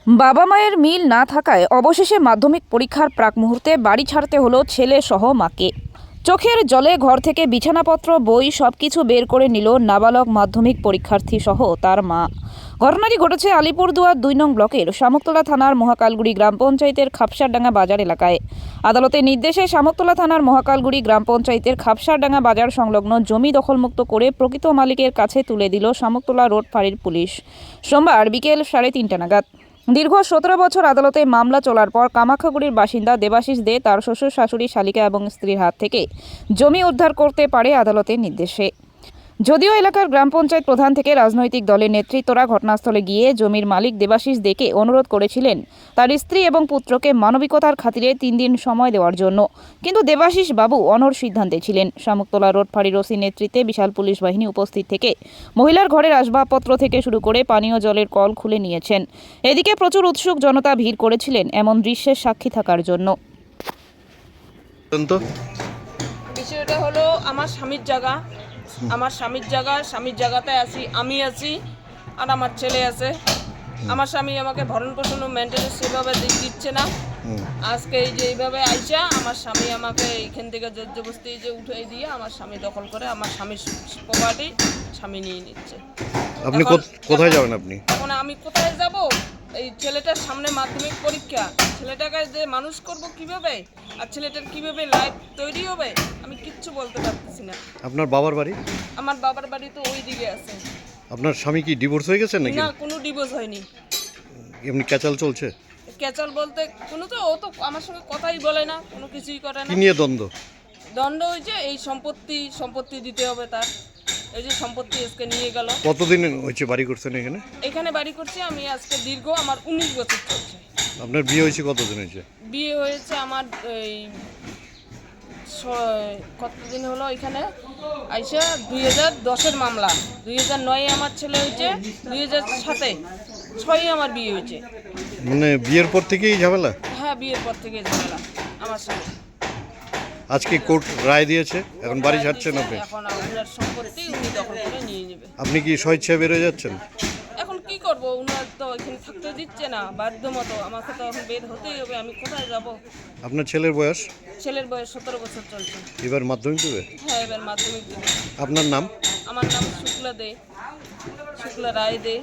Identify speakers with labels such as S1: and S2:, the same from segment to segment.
S1: বাবা মায়ের মিল না থাকায় অবশেষে মাধ্যমিক পরীক্ষার প্রাক মুহূর্তে বাড়ি ছাড়তে হলো ছেলে সহ মাকে। চোখের জলে ঘর থেকে বিছানাপত্র বই সবকিছু বের করে নিল নাবালক মাধ্যমিক পরীক্ষার্থী সহ তার মা। ঘটনাটি ঘটেছে আলিপুরদুয়ার ২ নং ব্লকের শামুকতলা থানার মহাকালগুড়ি গ্রাম পঞ্চায়েতের খাপসারডাঙ্গা বাজার এলাকায়। আদালতের নির্দেশে শামুকতলা থানার মহাকালগুড়ি গ্রাম পঞ্চায়েতের খাপসারডাঙ্গা বাজার সংলগ্ন জমি দখলমুক্ত করে প্রকৃত মালিকের কাছে তুলে দিল শামুকতলা রোড ফাঁড়ির পুলিশ সোমবার বিকেল 3:30 নাগাদ। দীর্ঘ 17 বছর আদালতে মামলা চলার পর কামাখ্যাগুড়ির বাসিন্দা দেবাশিস দে তার শ্বশুর শাশুড়ি শালিকা এবং স্ত্রীর হাত থেকে জমি উদ্ধার করতে পারে আদালতের নির্দেশে। যদিও এলাকার গ্রাম পঞ্চায়েত প্রধান থেকে রাজনৈতিক দলের নেতৃত্বরা ঘটনাস্থলে গিয়ে জমির মালিক দেবাশিস দেকে অনুরোধ করেছিলেন তার স্ত্রী এবং পুত্রকে মানবিকতার খাতিরে 3 দিন সময় দেওয়ার জন্য, কিন্তু দেবাশিস বাবু অনড় সিদ্ধান্তে ছিলেন। শামুকতলা রোড ফাঁড়ির ওসির নেতৃত্বে বিশাল পুলিশ বাহিনী উপস্থিত থেকে মহিলার ঘরের আসবাবপত্র থেকে শুরু করে পানীয় জলের কল খুলে নিয়েছেন। এদিকে প্রচুর উৎসুক জনতা ভিড় করেছিলেন এমন দৃশ্যের সাক্ষী থাকার জন্য।
S2: বিষয়টা হলো আমার স্বামীর জায়গা, স্বামীর জায়গাতে আমি আছি আর আমার ছেলে আছে। আমার স্বামী আমাকে ভরণ পোষণ ও মেনটেন্যান্স সেভাবে দিচ্ছে না। আজকে এই যে এইভাবে আইসা আমার স্বামী আমাকে এইখান থেকে জবরদস্তি যে উঠাই দিয়ে আমার স্বামী দখল করে আমার স্বামীর প্রপার্টি স্বামী নিয়ে নিচ্ছে।
S3: আপনি কোথায় যাবেন? আপনি
S2: এখন আমি কোথায় যাব? এই ছেলেটার সামনে মাধ্যমিক পরীক্ষা, ছেলেটাকে যে মানুষ করব কিভাবে আর ছেলেটার কিভাবে লাইফ তৈরি হবে আমি কিচ্ছু বলতে পারতেছি না।
S3: আপনার বাবার বাড়ি?
S2: আমার বাবার বাড়ি তো ওই দিকে আছে।
S3: আপনার স্বামী কি ডিভোর্স হয়ে গেছে নাকি?
S2: না, কোনো ডিভোর্স হয়নি।
S3: এমনি ক্যাচাল চলছে?
S2: ক্যাচাল বলতে কোনো তো ও তো আমার সঙ্গে কথাই বলে না, কোনো কিছুই করে না।
S3: কি নিয়ে দ্বন্দ্ব?
S2: দণ্ড হয়েছে এই সম্পত্তি দিতে হবে তার। এই যে সম্পত্তি আজকে নিয়ে গেল।
S3: কতদিন হয়েছে বাড়ি করছেন এখানে?
S2: এখানে বাড়ি করছি আমি আজকে দীর্ঘ আমার 19 বছর চলছে।
S3: আপনার বিয়ে হয়েছে কতদিন হয়েছে?
S2: বিয়ে হয়েছে আমার এই কতদিন হলো এখানে আইসা 2010-এর মামলা, 2009-এ আমার ছেলে হয়েছে, 2007-এ 6-এ আমার বিয়ে হয়েছে।
S3: মানে বিয়ের পর থেকেই ঝামেলা?
S2: হ্যাঁ, বিয়ের পর থেকে ঝামেলা আমার সঙ্গে।
S3: আজকে কোর্ট রায় দিয়েছে, এখন বাড়ি ছাড়ছেন আপনি?
S2: এখন আপনার সম্পত্তি উনি দখল করে নিয়ে নেবে।
S3: আপনি কি স্বেচ্ছায় বেরোয় যাচ্ছেন?
S2: এখন কি করব, উনার তো এখানে থাকতে দিচ্ছে না, বাধ্য মতো আমাকে তো এখন বের হতেই হবে। আমি কোথায় যাব?
S3: আপনার ছেলের বয়স?
S2: ছেলের বয়স 17 বছর চলছে।
S3: এবার মাধ্যমিক দেবে?
S2: হ্যাঁ, এবার মাধ্যমিক দেবে।
S3: আপনার নাম?
S2: আমার নাম শুক্লা রায় দে।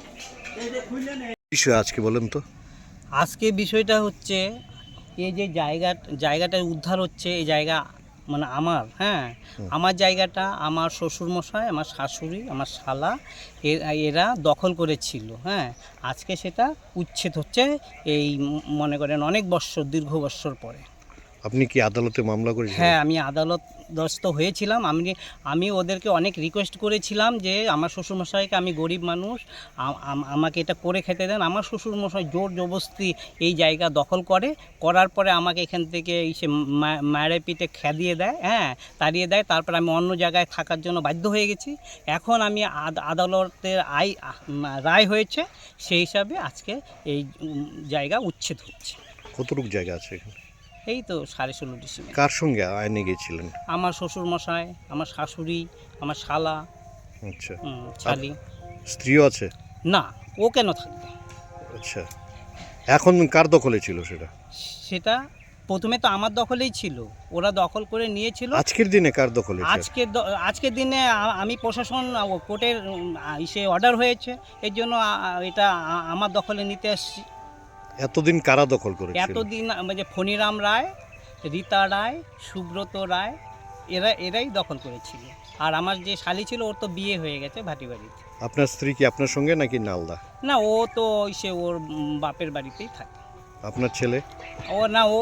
S3: বিষয় আজকে বলেন তো।
S4: আজকে বিষয়টা হচ্ছে এই যে জায়গাটা উদ্ধার হচ্ছে, এই জায়গা মানে আমার, আমার জায়গাটা আমার শ্বশুরমশাই, আমার শাশুড়ি, আমার শালা এরা দখল করেছিল। আজকে সেটা উচ্ছেদ হচ্ছে, এই মনে করেন অনেক দীর্ঘ বৎসর পরে।
S3: আপনি কি আদালতে মামলা করেছেন?
S4: হ্যাঁ, আমি আদালতস্থ হয়েছিলাম। আমি ওদেরকে অনেক রিকোয়েস্ট করেছিলাম যে আমার শ্বশুরমশাইকে, আমি গরিব মানুষ, আমাকে এটা করে খেতে দেন। আমার শ্বশুরমশাই জোর জবরদস্তি এই জায়গা দখল করার পরে আমাকে এখান থেকে এসে মায়ের পিঠে খেদিয়ে দেয়, তাড়িয়ে দেয়। তারপর আমি অন্য জায়গায় থাকার জন্য বাধ্য হয়ে গেছি। এখন আমি আদালতের রায় হয়েছে, সেই হিসাবে আজকে এই জায়গা উচ্ছেদ হচ্ছে।
S3: কতটুকু জায়গা আছে এখানে?
S4: এই তো 16.5 ডিসিমেল।
S3: কার সঙ্গে আইনে গিয়েছিলেন?
S4: আমার শ্বশুরমশাই, আমার শাশুড়ি, আমার শালা,
S3: আচ্ছা,
S4: শালি।
S3: স্ত্রীও আছে?
S4: না, ও কেন থাকবে?
S3: আচ্ছা, এখন কার দখলে ছিল সেটা?
S4: সেটা প্রথমে তো আমার দখলেই ছিল, ওরা দখল করে নিয়েছিল।
S3: আজকের দিনে কার দখলে?
S4: আজকের দিনে আমি প্রশাসন কোর্টের অর্ডার হয়েছে, এর জন্য এটা আমার দখলে নিতে আসছি।
S3: এতদিন কারা দখল করেছিল?
S4: এতদিন মানে ফণিরাম রায়, রীতা রায়, সুব্রত রায়, এরাই দখল করেছিল। আর আমার যে শালি ছিল, ওর তো বিয়ে হয়ে গেছে ভাটিবাড়িতে।
S3: আপনার স্ত্রী কি আপনার সঙ্গে নাকি নালদা?
S4: না, ও তো ওর বাপের বাড়িতেই থাকে।
S3: আপনার ছেলে?
S4: ও না, ও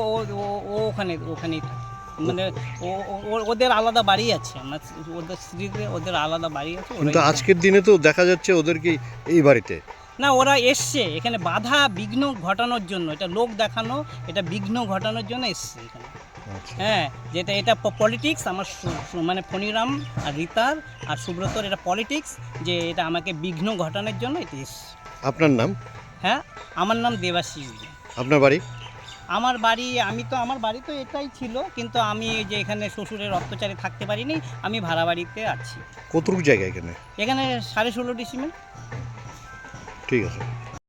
S4: ওখানেই থাকে। মানে ওদের আলাদা বাড়ি আছে, আমার ওদের স্ত্রীদের ওদের আলাদা বাড়ি আছে।
S3: কিন্তু আজকের দিনে তো দেখা যাচ্ছে ওদেরকে এই বাড়িতে।
S4: না, ওরা এসছে এখানে বাধা বিঘ্ন ঘটানোর জন্য, এটা লোক দেখানো, এটা বিঘ্ন ঘটানোর জন্য এসছে এখানে। যেটা এটা পলিটিক্স। আমার মানে ফণিরাম আর রীতার আর সুব্রতর এটা পলিটিক্স, যে এটা আমাকে বিঘ্ন ঘটানোর জন্য এটা এসছে।
S3: আপনার নাম?
S4: হ্যাঁ, আমার নাম দেবাশিস।
S3: আপনার বাড়ি?
S4: আমার বাড়ি তো এটাই ছিল, কিন্তু আমি যে এখানে শ্বশুরের অত্যাচারে থাকতে পারিনি, আমি ভাড়া বাড়িতে আছি।
S3: কতটুকু জায়গা এখানে?
S4: এখানে 16.5 ডিসিমেল।
S3: ঠিক আছে।